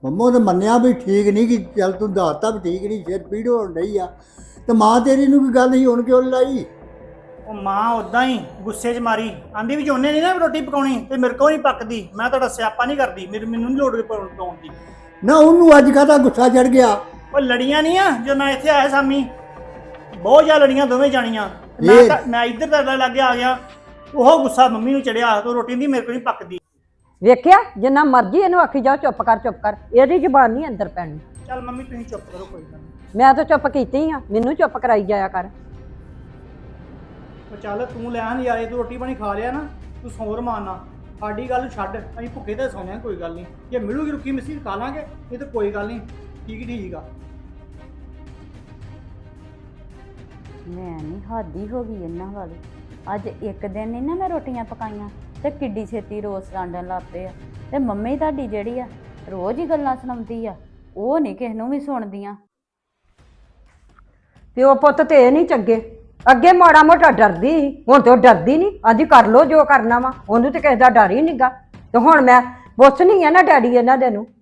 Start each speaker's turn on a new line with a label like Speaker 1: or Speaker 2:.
Speaker 1: ਮੰਮਾ ਨੇ ਮੰਨਿਆ ਵੀ ਠੀਕ ਨਹੀਂ ਕਿ ਚੱਲ ਤੂੰ ਦੱਸਤਾ ਵੀ ਠੀਕ ਨਹੀਂ, ਸਿਰ ਪੀੜ ਹੋਣ ਡਈ ਆ। ਤੇ ਮਾਂ ਤੇਰੀ ਨੂੰ ਕੀ ਗੱਲ ਸੀ, ਹੁਣ ਕਿਉਂ ਲੜਾਈ?
Speaker 2: ਉਹ ਮਾਂ ਉਦਾਂ ਹੀ ਗੁੱਸੇ 'ਚ ਮਾਰੀ, ਆਂਦੀ ਵੀ ਜੇ ਉਹਨੇ ਨਹੀਂ ਨਾ ਰੋਟੀ ਪਕਾਉਣੀ ਤੇ ਮੇਰੇ ਕੋਲ ਨਹੀਂ ਪੱਕਦੀ, ਮੈਂ ਤੁਹਾਡਾ ਸਿਆਪਾ ਨਹੀਂ ਕਰਦੀ, ਮੈਨੂੰ ਨਹੀਂ ਲੋੜ ਪਕਾਉਣ ਦੀ।
Speaker 1: ਨਾ ਉਹਨੂੰ ਅੱਜ ਕਾਹਦਾ ਗੁੱਸਾ ਚੜ ਗਿਆ?
Speaker 2: ਉਹ ਲੜੀਆਂ ਨਹੀਂ ਆ ਜਦੋਂ ਮੈਂ ਇੱਥੇ ਆਇਆ ਸਾਮੀ, ਬਹੁਤ ਜ਼ਿਆਦਾ ਲੜੀਆਂ ਦੋਵੇਂ ਜਾਣੀਆਂ। ਮੈਂ ਇੱਧਰ ਤੁਹਾਡੇ ਲਾਗੇ ਆ ਗਿਆ, ਉਹ ਗੁੱਸਾ ਮੰਮੀ ਨੂੰ ਚੜਿਆ, ਤੂੰ ਰੋਟੀ ਦੀ ਮੇਰੇ ਕੋਲ ਨਹੀਂ ਪੱਕਦੀ।
Speaker 3: ਵੇਖਿਆ ਜਿੰਨਾ ਮਰਜ਼ੀ ਇਹਨੂੰ ਆਖੀ ਜਾਓ ਚੁੱਪ ਕਰ, ਇਹਦੀ ਜ਼ਬਾਨ ਨਹੀਂ ਅੰਦਰ ਪੈਣੀ।
Speaker 2: ਚੱਲ ਮੰਮੀ ਤੁਸੀਂ ਚੁੱਪ ਕਰੋ, ਕੋਈ ਗੱਲ ਨਹੀਂ।
Speaker 3: ਮੈਂ ਤਾਂ ਚੁੱਪ ਕੀਤੀ ਆ, ਮੈਨੂੰ ਚੁੱਪ ਕਰਾਈ ਜਾਇਆ ਕਰ।
Speaker 2: ਉਹ ਚੱਲ ਤੂੰ ਲੈ ਨਜ਼ਾਰੇ, ਤੂੰ ਰੋਟੀ ਪਾਣੀ ਖਾ ਲਿਆ ਨਾ, ਤੂੰ ਸੌਂ ਰਮਾਨਾ, ਸਾਡੀ ਗੱਲ ਛੱਡ, ਅਸੀਂ ਭੁੱਖੇ ਤੇ ਸੌਂਦੇ ਹਾਂ, ਕੋਈ ਗੱਲ ਨਹੀਂ। ਜੇ ਮਿਲੂਗੀ ਰੁੱਖੀ ਮਿੱਸੀ ਖਾ ਲਾਂਗੇ, ਇਹ ਤਾਂ ਕੋਈ ਗੱਲ ਨਹੀਂ, ਠੀਕ ਆ।
Speaker 4: ਮੈਂ ਨਹੀਂ ਹਾਦੀ ਹੋ ਗਈ ਇਹਨਾਂ ਵਾਲੀ। ਅੱਜ ਇੱਕ ਦਿਨ ਨਹੀਂ ਨਾ ਮੈਂ ਰੋਟੀਆਂ ਪਕਾਈਆਂ ਤੇ ਕਿੱਡੀ ਛੇਤੀ ਰੋਸ ਰਾਂਡਣ ਲੱਗ ਪਏ ਆ। ਤੇ ਮੰਮੀ ਤੁਹਾਡੀ ਜਿਹੜੀ ਆ ਰੋਜ਼ ਹੀ ਗੱਲਾਂ ਸੁਣਾਉਂਦੀ ਆ, ਉਹ ਨਹੀਂ ਕਿਸੇ ਨੂੰ ਵੀ ਸੁਣਦੀਆਂ।
Speaker 3: ਪਿਓ ਪੁੱਤ ਤੇ ਇਹ ਨਹੀਂ ਚੰਗੇ, ਅੱਗੇ ਮਾੜਾ ਮੋਟਾ ਡਰਦੀ ਸੀ, ਹੁਣ ਤੇ ਉਹ ਡਰਦੀ ਨਹੀਂ, ਅੱਜ ਕਰ ਲੋ ਜੋ ਕਰਨਾ ਵਾ, ਉਹਨੂੰ ਤੇ ਕਿਸੇ ਦਾ ਡਰ ਹੀ ਨਹੀਂਗਾ। ਤੇ ਹੁਣ ਮੈਂ ਪੁੱਛਣੀ ਆ ਨਾ ਡੈਡੀ ਇਹਨਾਂ ਦੇ ਨੂੰ